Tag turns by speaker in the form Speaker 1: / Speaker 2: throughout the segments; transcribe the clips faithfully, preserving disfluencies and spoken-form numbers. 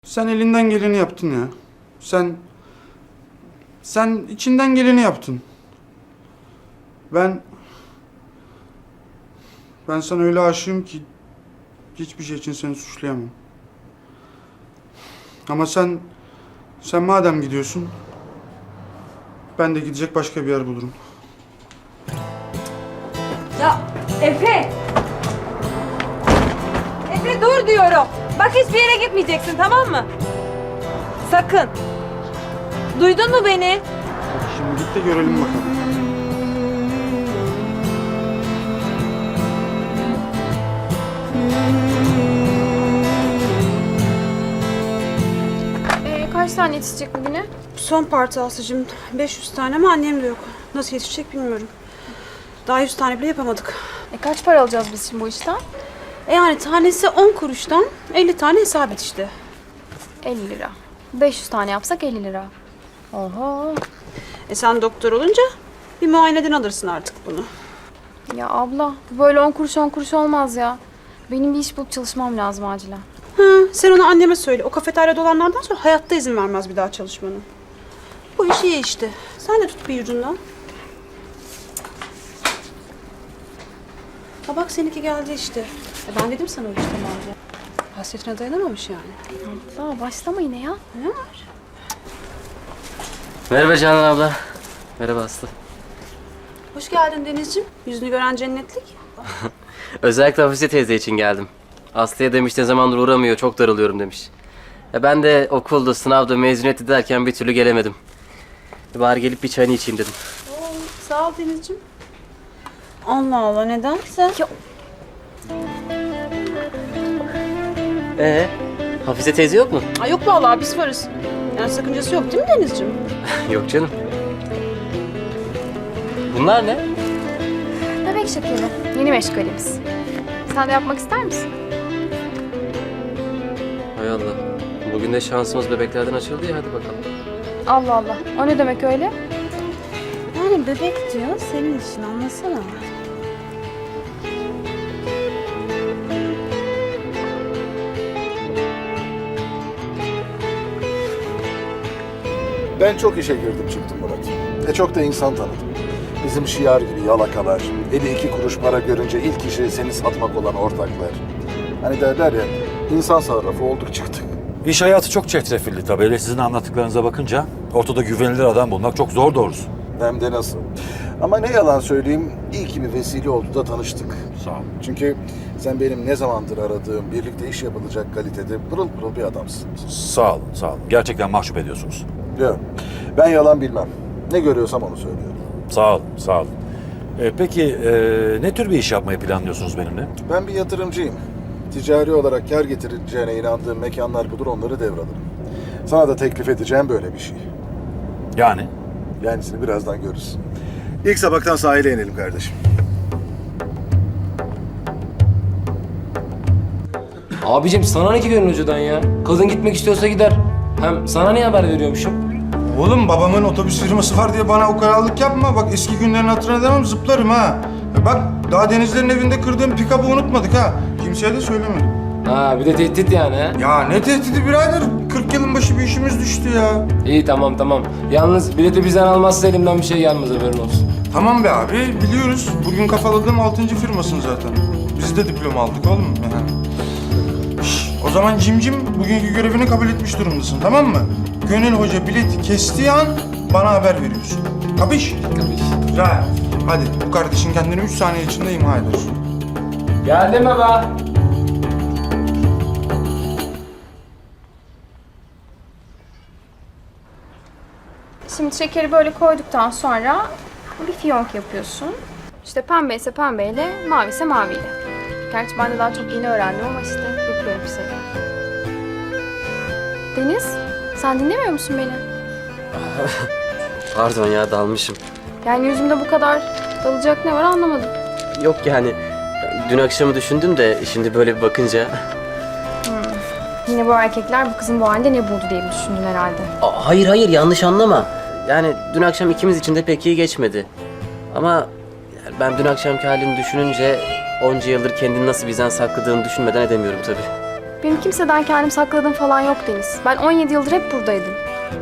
Speaker 1: Sen elinden geleni yaptın ya. Sen... Sen içinden geleni yaptın. Ben... Ben sana öyle aşığım ki... Hiçbir şey için seni suçlayamam. Ama sen... Sen madem gidiyorsun... Ben de gidecek başka bir yer bulurum.
Speaker 2: Ya Efe! Efe dur diyorum. Bak hiçbir yere gitmeyeceksin, tamam mı? Sakın. Duydun mu beni?
Speaker 1: Şimdi git de görelim bakalım.
Speaker 3: Ee, kaç tane yetişecek bugüne?
Speaker 4: Son parti Aslı'cığım. beş yüz tane ama annem de yok. Nasıl yetişecek bilmiyorum. Daha yüz tane bile yapamadık.
Speaker 3: E, kaç para alacağız biz şimdi bu işten?
Speaker 4: E yani tanesi on kuruştan elli tane hesap et işte.
Speaker 3: elli lira. beş yüz tane yapsak elli lira. Oho.
Speaker 4: E sen doktor olunca bir muayeneden alırsın artık bunu.
Speaker 3: Ya abla bu böyle on kuruş on kuruş olmaz ya. Benim bir iş bulup çalışmam lazım acilen.
Speaker 4: Ha, sen onu anneme söyle. O kafeteryada olanlardan sonra hayatta izin vermez bir daha çalışmanı. Bu iş iyi işte. Sen de tut bir ucundan. Ha bak seninki geldi işte. E ben dedim sana o işte bence. Hasretine dayanamamış yani.
Speaker 3: Abla başlama yine ya.
Speaker 4: Ne var?
Speaker 5: Merhaba Canan abla. Merhaba Aslı.
Speaker 4: Hoş geldin Denizciğim. Yüzünü gören cennetlik.
Speaker 5: Özellikle Hafize teyze için geldim. Aslı'ya demiş ne zamandır uğramıyor, çok darılıyorum demiş. Ya ben de okulda, sınavda, mezuniyeti derken bir türlü gelemedim. Bari gelip bir çayını içeyim dedim.
Speaker 4: Oo, sağ ol Denizciğim. Allah Allah nedense.
Speaker 3: Ya,
Speaker 5: Ee, Hafize teyze yok mu?
Speaker 4: Ay yok vallahi biz varız. Yani sakıncası yok değil mi Denizciğim?
Speaker 5: Yok canım. Bunlar ne?
Speaker 3: bebek şekeri. Yeni meşgalimiz. Sen de yapmak ister misin?
Speaker 5: Hay Allah. Bugün de şansımız bebeklerden açıldı ya, hadi bakalım.
Speaker 3: Allah Allah. O ne demek öyle?
Speaker 4: Yani bebek diyor senin için anlasana.
Speaker 6: Ben çok işe girdim çıktım Murat. E çok da insan tanıdım. Bizim şiar gibi yalakalar, eli iki kuruş para görünce ilk işi seni satmak olan ortaklar. Hani derler ya, insan sarrafı olduk çıktık.
Speaker 7: İş hayatı çok çetrefilli tabii. Hele sizin anlattıklarınıza bakınca ortada güvenilir adam bulmak çok zor doğrusu.
Speaker 6: Hem de nasıl. Ama ne yalan söyleyeyim, iyi ki bir vesile oldu da tanıştık.
Speaker 7: Sağ ol.
Speaker 6: Çünkü sen benim ne zamandır aradığım, birlikte iş yapılacak kalitede pırıl pırıl bir adamsın.
Speaker 7: Sağ olun, sağ olun. Gerçekten mahcup ediyorsunuz.
Speaker 6: Yok, ben yalan bilmem. Ne görüyorsam onu söylüyorum.
Speaker 7: Sağ olun, sağ olun. Ee, peki e, ne tür bir iş yapmayı planlıyorsunuz benimle?
Speaker 6: Ben bir yatırımcıyım. Ticari olarak kar getireceğine inandığım mekanlar budur, onları devralırım. Sana da teklif edeceğim böyle bir şey.
Speaker 7: Yani?
Speaker 6: Yenisini birazdan görürüz. İlk sabahtan sahile inelim kardeşim.
Speaker 8: Abicim sana ne ki gönül hocadan ya? Kadın gitmek istiyorsa gider. Hem sana niye haber veriyormuşum?
Speaker 1: Oğlum babamın otobüs firması var diye bana ukalalık yapma. Bak eski günlerin hatırına demem zıplarım ha. E bak daha Denizlerin evinde kırdığım pikabı unutmadık ha. Kimseye de söylemedim.
Speaker 8: Ha bir de tehdit yani ha.
Speaker 1: Ya ne tehdidi birader? kırk yılın başı bir işimiz düştü ya.
Speaker 8: İyi tamam tamam. Yalnız bileti bizden almazsa elimden bir şey gelmez, haberin olsun.
Speaker 1: Tamam be abi biliyoruz. Bugün kafaladığım altıncı firmasın zaten. Biz de diploma aldık oğlum. Şş, o zaman cimcim bugünkü görevini kabul etmiş durumdasın, tamam mı? Gönül Hoca bileti kestiği an bana haber veriyorsun. Kapış?
Speaker 8: Kapış.
Speaker 1: Güzel. Hadi bu kardeşin kendini üç saniye içinde imha eder.
Speaker 8: Geldim baba.
Speaker 3: Şimdi şekeri böyle koyduktan sonra bir fiyonk yapıyorsun. İşte pembe ise pembeyle, mavi ise maviyle. Gerçi ben de daha çok yeni öğrendim ama işte yapıyorum bir şeyler. Deniz, sen dinlemiyor musun beni?
Speaker 5: Pardon ya, dalmışım.
Speaker 3: Yani yüzümde bu kadar dalacak ne var anlamadım.
Speaker 5: Yok yani, dün akşamı düşündüm de şimdi böyle bir bakınca...
Speaker 3: Yine bu erkekler bu kızın bu halinde ne buldu diye mi düşündün herhalde?
Speaker 5: Aa, hayır hayır, yanlış anlama. Yani dün akşam ikimiz için de pek iyi geçmedi. Ama yani ben dün akşamki halini düşününce onca yıldır kendini nasıl bizden sakladığını düşünmeden edemiyorum tabii.
Speaker 3: Benim kimseden kendim sakladığım falan yok Deniz. Ben on yedi yıldır hep buradaydım.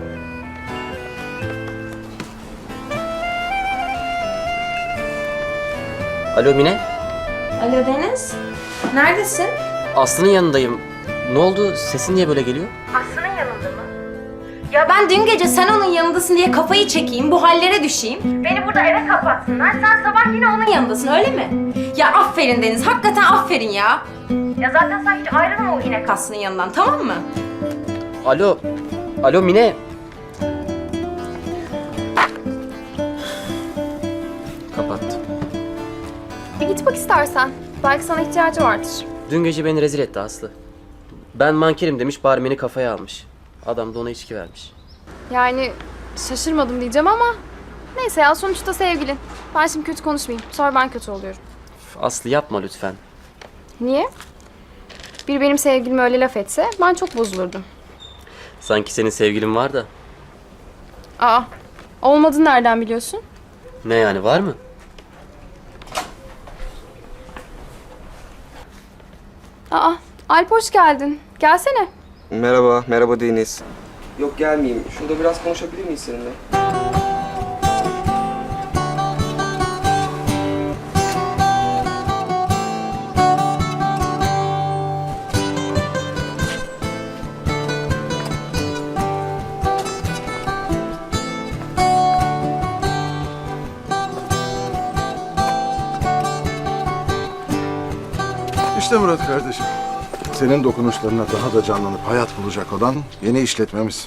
Speaker 5: Alo Mine,
Speaker 2: Alo Deniz. Neredesin?
Speaker 5: Aslı'nın yanındayım. Ne oldu? Sesin niye böyle geliyor?
Speaker 2: Aslı'nın yanında mı? Ya ben dün gece sen onun yanındasın diye kafayı çekeyim, bu hallere düşeyim. Beni burada eve kapatsınlar, sen sabah yine onun yanındasın öyle mi? Ya aferin Deniz, hakikaten aferin ya. Ya zaten sen hiç ayrılma o inek Aslı'nın yanından, tamam mı?
Speaker 5: Alo, alo Mine. Kapattı.
Speaker 3: Bir git bak istersen. Belki sana ihtiyacı vardır.
Speaker 5: Dün gece beni rezil etti Aslı. Ben mankerim demiş, barmeni kafaya almış. Adam da ona içki vermiş.
Speaker 3: Yani şaşırmadım diyeceğim ama... Neyse ya sonuçta sevgilin. Ben şimdi kötü konuşmayayım. Sonra ben kötü oluyorum.
Speaker 5: Üf, Aslı yapma lütfen.
Speaker 3: Niye? Bir benim sevgilime öyle laf etse ben çok bozulurdum.
Speaker 5: Sanki senin sevgilin var da.
Speaker 3: Aa, olmadığını nereden biliyorsun?
Speaker 5: Ne yani, var mı?
Speaker 3: Aa, Alp hoş geldin. Gelsene.
Speaker 9: Merhaba, merhaba Deniz. Yok gelmeyeyim. Şurada biraz konuşabilir miyiz seninle?
Speaker 6: İşte Murat kardeşim. Senin dokunuşlarına daha da canlanıp hayat bulacak olan yeni işletmemiz.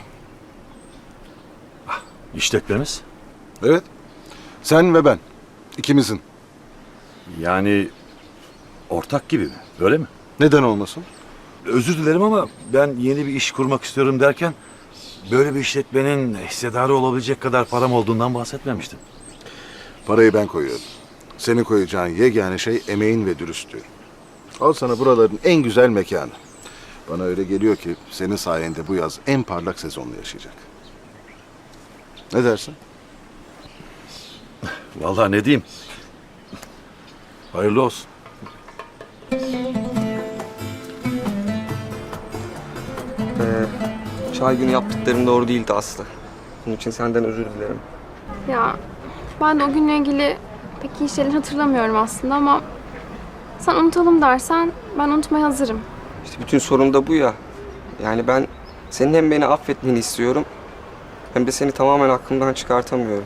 Speaker 7: İşletmemiz.
Speaker 6: Evet. Sen ve ben. İkimizin.
Speaker 7: Yani ortak gibi mi? Öyle mi?
Speaker 6: Neden olmasın?
Speaker 7: Özür dilerim ama ben yeni bir iş kurmak istiyorum derken böyle bir işletmenin hissedarı olabilecek kadar param olduğundan bahsetmemiştim.
Speaker 6: Parayı ben koyuyorum. Senin koyacağın yegane şey emeğin ve dürüstlüğün. Al sana buraların en güzel mekanı. Bana öyle geliyor ki senin sayende bu yaz en parlak sezonunu yaşayacak. Ne dersin?
Speaker 7: Vallahi ne diyeyim? Hayırlı olsun.
Speaker 9: Ee, çay günü yaptıklarım doğru değildi Aslı. Bunun için senden özür dilerim.
Speaker 3: Ya ben de o günle ilgili pek iyi şeyler hatırlamıyorum aslında ama... Sen unutalım dersen ben unutmaya hazırım.
Speaker 9: İşte bütün sorun da bu ya. Yani ben senin hem beni affetmeni istiyorum... hem de seni tamamen aklımdan çıkartamıyorum.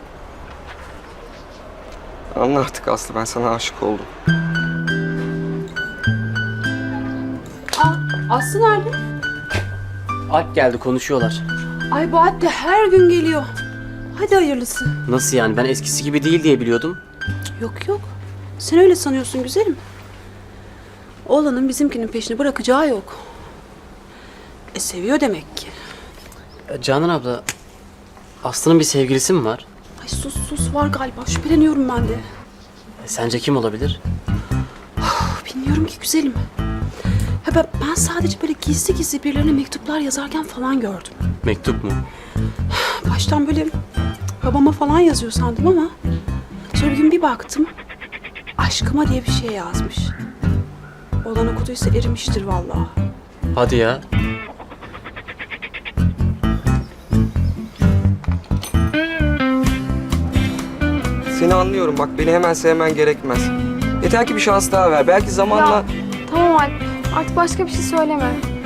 Speaker 9: Anla artık Aslı, ben sana aşık oldum.
Speaker 4: Aa, Aslı nerede?
Speaker 5: Alp geldi, konuşuyorlar.
Speaker 4: Ay bu Alp de her gün geliyor. Hadi hayırlısı.
Speaker 5: Nasıl yani, ben eskisi gibi değil diye biliyordum.
Speaker 4: Yok yok. Sen öyle sanıyorsun güzelim. Oğlanın bizimkinin peşini bırakacağı yok. E seviyor demek ki.
Speaker 5: Ya Canan abla, Aslı'nın bir sevgilisi mi var?
Speaker 4: Ay sus sus var galiba. Şüpheleniyorum ben de.
Speaker 5: E, sence kim olabilir?
Speaker 4: Bilmiyorum ki güzelim. Ha ben, ben sadece böyle gizli gizli birilerine mektuplar yazarken falan gördüm.
Speaker 5: Mektup mu?
Speaker 4: Baştan böyle babama falan yazıyor sandım ama sonra bir gün bir baktım aşkıma diye bir şey yazmış. Olan okuduysa erimiştir vallahi.
Speaker 5: Hadi ya.
Speaker 9: Seni anlıyorum bak, beni hemen sevmen gerekmez. Yeter ki bir şans daha ver. Belki zamanla...
Speaker 3: Ya tamam Alp, artık başka bir şey söyleme.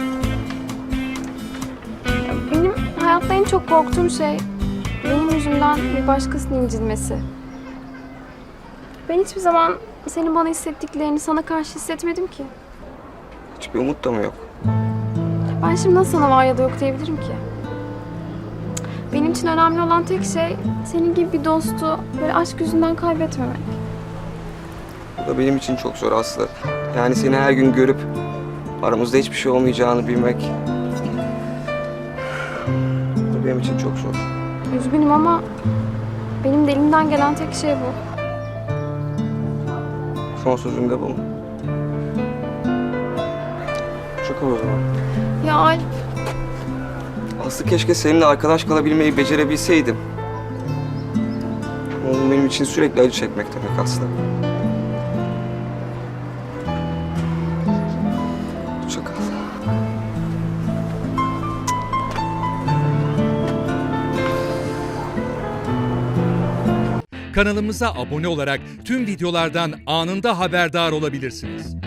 Speaker 3: Ya, benim hayatta en çok korktuğum şey benim yüzümden bir başkasının incinmesi. Ben hiçbir zaman senin bana hissettiklerini sana karşı hissetmedim ki.
Speaker 9: Hiçbir umut da mı yok?
Speaker 3: Ben şimdi nasıl sana var ya da yok diyebilirim ki? Benim için önemli olan tek şey senin gibi bir dostu böyle aşk yüzünden kaybetmemek.
Speaker 9: Bu da benim için çok zor Aslı. Yani seni her gün görüp aramızda hiçbir şey olmayacağını bilmek... bu da benim için çok zor.
Speaker 3: Üzgünüm ama benim de elimden gelen tek şey bu.
Speaker 9: Son sözüm de bu mu? Çok o zaman.
Speaker 3: Ya Alp,
Speaker 9: Aslı keşke seninle arkadaş kalabilmeyi becerebilseydim. Ama bu benim için sürekli acı çekmek demek Aslı. Çok az.
Speaker 10: Kanalımıza abone olarak tüm videolardan anında haberdar olabilirsiniz.